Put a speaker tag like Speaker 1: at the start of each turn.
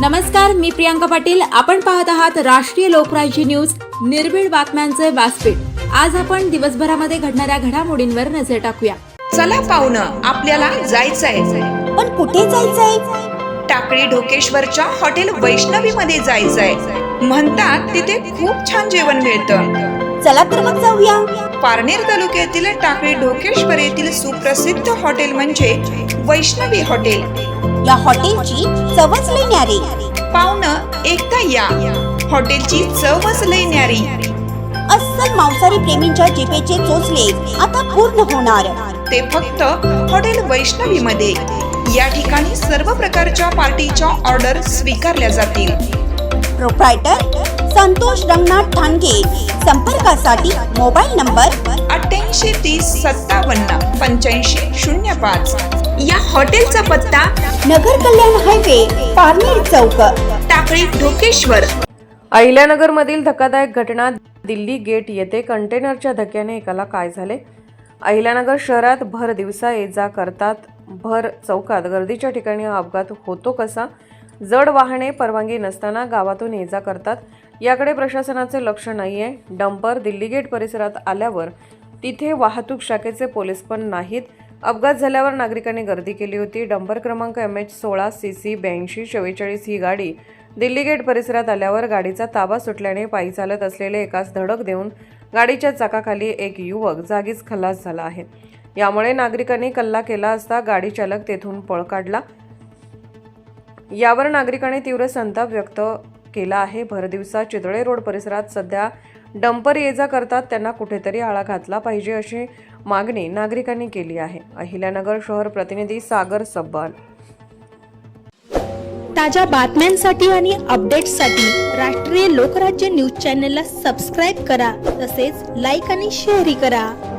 Speaker 1: नमस्कार, मी प्रियांका पाटील. आपण पाहत आहात राष्ट्रीय लोकराज्य न्यूज, निर्भीड बातम्यांचे व्यासपीठ. आज आपण दिवसभरामध्ये घडणाऱ्या घडामोडींवर नजर टाकूया.
Speaker 2: चला पाहुणं, आपल्याला जायचंय.
Speaker 3: पण कुठे जायचंय?
Speaker 2: टाकळी ढोकेश्वरच्या हॉटेल वैष्णवी मध्ये जायचंय. म्हणतात तिथे खूप छान जेवण मिळतं.
Speaker 3: चला तर मग जाऊया.
Speaker 2: पारनेर तालुक्यातील टाकळी ढोकेश्वर येथील सुप्रसिद्ध हॉटेल म्हणजे वैष्णवी हॉटेल.
Speaker 3: या हॉटेलची चवच लई न्यारी.
Speaker 2: पाहुणं, एकदा या. हॉटेलची चवच लई न्यारी.
Speaker 3: अस्सल मांसाहारी प्रेमींच्या जिभेचे चोचले आता पूर्ण होणार.
Speaker 2: ते फक्त हॉटेल वैष्णवी मध्ये. या ठिकाणी सर्व प्रकारच्या पार्टीच्या ऑर्डर स्वीकारल्या जातील.
Speaker 3: प्रोप्रायटर संतोष रंगनाथ ठाणगे. संपर्कासाठी मोबाईल नंबर
Speaker 2: 8830578505. या हॉटेलचा पत्ता
Speaker 3: नगर कल्याण हायवे, पारनेर चौक,
Speaker 2: टाकळी ढोकेश्वर.
Speaker 4: अहिल्यानगरमधील धक्कादायक घटना. दिल्ली गेट येथे कंटेनरच्या धक्क्याने एकाला काय झाले? अहिल्यानगर शहरात भर दिवसा ये जा करतात. भर चौकात गर्दीच्या ठिकाणी हा अपघात होतो कसा? जड वाहने परवानगी नसताना गावातून ये जा करतात. याकडे प्रशासनाचे लक्ष नाहीये. डंपर दिल्ली गेट परिसरात आल्यावर तिथे वाहतूक शाखेचे पोलीस पण नाहीत. अपघात झाल्यावर नागरिकांनी गर्दी केली होती. डंपर क्रमांक MH16 CC 8244 ही गाडी दिल्ली गेट परिसरात आल्यावर गाडीचा ताबा सुटल्याने पायी चालत असलेले एकास धडक देऊन गाडीच्या चाकाखाली एक युवक जागीच खलास झाला आहे. यामुळे नागरिकांनी कल्ला केला असता गाडी चालक तेथून पळ काढला. यावर नागरिकांनी तीव्र संताप व्यक्त केला आहे. भरदिवसा चितळे रोड परिसरात सध्या डंपर ये जा करतात. त्यांना कुठेतरी आळा घातला पाहिजे अशी मागणी नागरिकांनी केली आहे. अहिल्यानगर शहर प्रतिनिधी सागर सब्बाल.
Speaker 5: ताज्या बातम्यांसाठी आणि अपडेट्ससाठी राष्ट्रीय लोकराज्य न्यूज चॅनलला सबस्क्राईब करा. तसेच लाईक आणि शेअरही करा.